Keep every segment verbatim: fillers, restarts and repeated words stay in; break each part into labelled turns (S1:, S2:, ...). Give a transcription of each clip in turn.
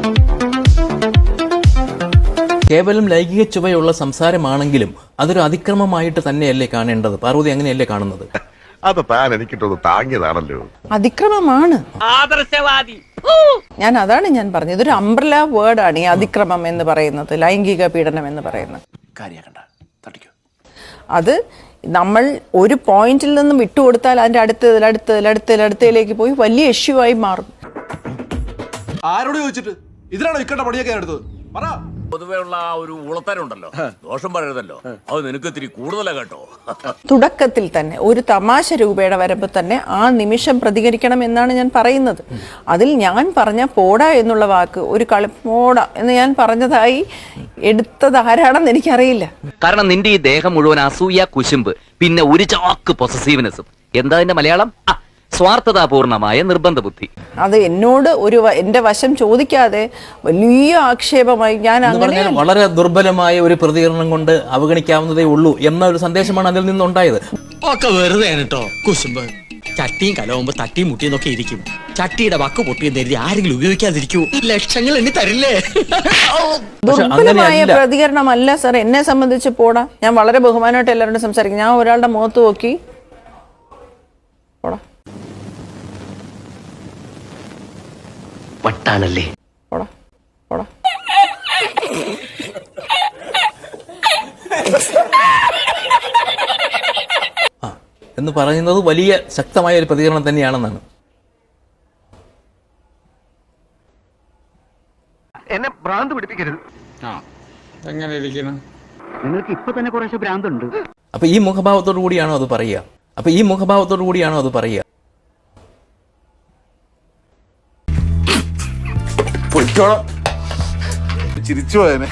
S1: കേവലം ലൈംഗിക ചുവയുള്ള സംസാരമാണെങ്കിലും അതൊരു അതിക്രമമായിട്ട് തന്നെയല്ലേ കാണേണ്ടത്? പാർവതി അങ്ങനെയല്ലേ കാണുന്നത്?
S2: അത് താൻ എനിക്കിട്ടൊന്ന് താങ്ങിയതാണല്ലോ.
S3: അതിക്രമമാണ്. ആദർശവാദി. ഞാൻ അതാണ് ഞാൻ പറഞ്ഞത്, ഇതൊരു അംബ്രല വേർഡാണ് ഈ അതിക്രമം എന്ന് പറയുന്നത്, ലൈംഗിക പീഡനം എന്ന് പറയുന്നത്. അത് നമ്മൾ ഒരു പോയിന്റിൽ നിന്നും വിട്ടുകൊടുത്താൽ അതിന്റെ അടുത്തതിൽ അടുത്തതിൽ അടുത്തതിൽ അടുത്തതിലേക്ക് പോയി വലിയ ഇഷ്യൂ ആയി മാറും.
S4: ആരോട് ചോദിച്ചിട്ട് ഇതിനാണോ ഇക്കണ്ട പണിയൊക്കെ എടുത്തത്? പറ.
S5: പൊതുവെയുള്ള ആ ഒരു ഉളത്തരുണ്ടല്ലോ, ദോഷം പറയരുതല്ലോ, അത് നിനക്ക് ഇത്തിരി കൂടുതലാ കേട്ടോ.
S3: തുടക്കത്തിൽ തന്നെ ഒരു തമാശ രൂപയുടെ വരുമ്പോൾ തന്നെ ആ നിമിഷം പ്രതികരിക്കണം എന്നാണ് ഞാൻ പറയുന്നത്. അതിൽ ഞാൻ പറഞ്ഞ പോടാ എന്നുള്ള വാക്ക് ഒരു കളി പോടാ എന്ന് ഞാൻ പറഞ്ഞതായി എടുത്തത് ആരാണെന്ന് എനിക്കറിയില്ല.
S6: കാരണം നിന്റെ ഈ ദേഹം മുഴുവൻ അസൂയ, കുശുമ്പ്, പിന്നെ ഒരു ചാക്ക് പൊസസീവ്നെസ്സും. എന്താ അതിന്റെ മലയാളം? സ്വാർത്ഥതാപൂർണമായ നിർബന്ധ ബുദ്ധി. അത് എന്നോട് ഒരു എന്റെ വശം ചോദിക്കാതെ വലിയ ആക്ഷേപമായി ഞാൻ അങ്ങനെ
S1: വളരെ ദുർബലമായ ഒരു പ്രതികരണം കൊണ്ട് അവഗണിക്കാവുന്നതേ ഉള്ളൂ എന്ന ഒരു സന്ദേശമാണ് അതിൽ നിന്നുണ്ടായത്.
S7: ഒക്കെ വെറുതെ കേട്ടോ കുശുമ്പ്. ചട്ടിയും കലവുമ്പോ തട്ടിയും മുട്ടിയെന്നൊക്കെ ഇരിക്കും. ചട്ടിയുടെ വക്ക് പൊട്ടിയെന്ന് കരുതി ആരെങ്കിലും ഉപയോഗിക്കാതിരിക്കൂ. ലക്ഷങ്ങൾ എണ്ണി തരില്ലേ?
S3: ദുർബലമായ പ്രതികരണമല്ല സാർ എന്നെ സംബന്ധിച്ച്. പോടാ, ഞാൻ വളരെ ബഹുമാനമായിട്ട് എല്ലാവരോടും സംസാരിക്കും. ഞാൻ ഒരാളുടെ മുഖത്ത് നോക്കി പോടാ
S6: വട്ടാണല്ലേ
S3: പോടാ പോടാ
S1: എന്ന് പറയുന്നത് വലിയ ശക്തമായ ഒരു പ്രതികരണം തന്നെയാണെന്നാണ്.
S8: എന്നെ ഭ്രാന്ത് പിടിപ്പിക്കരുത്.
S9: എങ്ങനെ ഇരിക്കണം?
S8: നിങ്ങൾക്ക് ഇപ്പൊ തന്നെ കുറേശ്ശെ ഭ്രാന്തുണ്ട്.
S1: അപ്പൊ ഈ മുഖഭാവത്തോടു കൂടിയാണോ അത് പറയുക? അപ്പൊ ഈ മുഖഭാവത്തോടു കൂടിയാണോ അത് പറയുക?
S2: ചിരിച്ചു പോയനെ.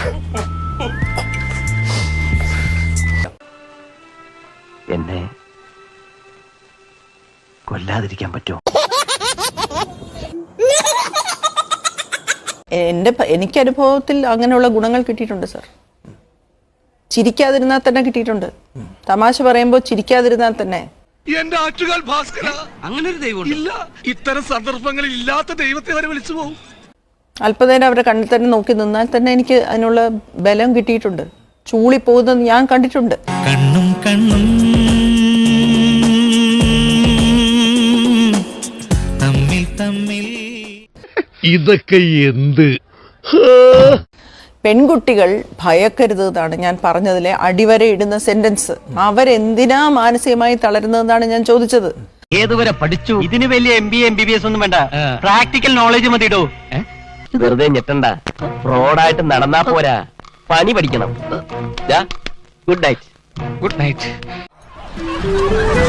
S6: എന്നെ കൊല്ലാതിരിക്കാൻ പറ്റുമോ?
S3: എന്റെ എനിക്ക് അനുഭവത്തിൽ അങ്ങനെയുള്ള ഗുണങ്ങൾ കിട്ടിയിട്ടുണ്ട് സാർ. ചിരിക്കാതിരുന്നാൽ തന്നെ കിട്ടിയിട്ടുണ്ട്. തമാശ പറയുമ്പോൾ ചിരിക്കാതിരുന്നാൽ തന്നെ.
S4: എന്റെ ആറ്റുകാൽ ഭാസ്കര, അങ്ങനെ ഒരു ദൈവം ഇല്ല. ഇത്തരം സന്ദർഭങ്ങളിൽ ഇല്ലാത്ത ദൈവത്തെ വരെ വിളിച്ചു പോകും.
S3: അല്പനേരം അവരുടെ കണ്ണിൽ തന്നെ നോക്കി നിന്നാൽ തന്നെ എനിക്ക് അതിനുള്ള ബലം കിട്ടിയിട്ടുണ്ട്. ചൂളി പോകുന്നത് ഞാൻ കണ്ടിട്ടുണ്ട്.
S7: കണ്ണും കണ്ണും തമ്മിൽ തമ്മിൽ
S2: ഇതൊക്കെ എന്ത്?
S3: പെൺകുട്ടികൾ ഭയക്കരുത് എന്നാണ് ഞാൻ പറഞ്ഞതിലെ അടിവരെ ഇടുന്ന സെന്റൻസ്. അവരെന്തിനാ മാനസികമായി തളരുന്നതെന്നാണ് ഞാൻ ചോദിച്ചത്.
S8: ഏതുവരെ പഠിച്ചു? ഇതിന് വലിയ M B M B B S ഒന്നും വേണ്ട, പ്രാക്ടിക്കൽ നോളജ് മതിയിടോ.
S6: വെറുതെ ഞെട്ടണ്ട, റോഡായിട്ട് നടന്നാ പോരാ, പണി പഠിക്കണം. Good night.
S7: Good night.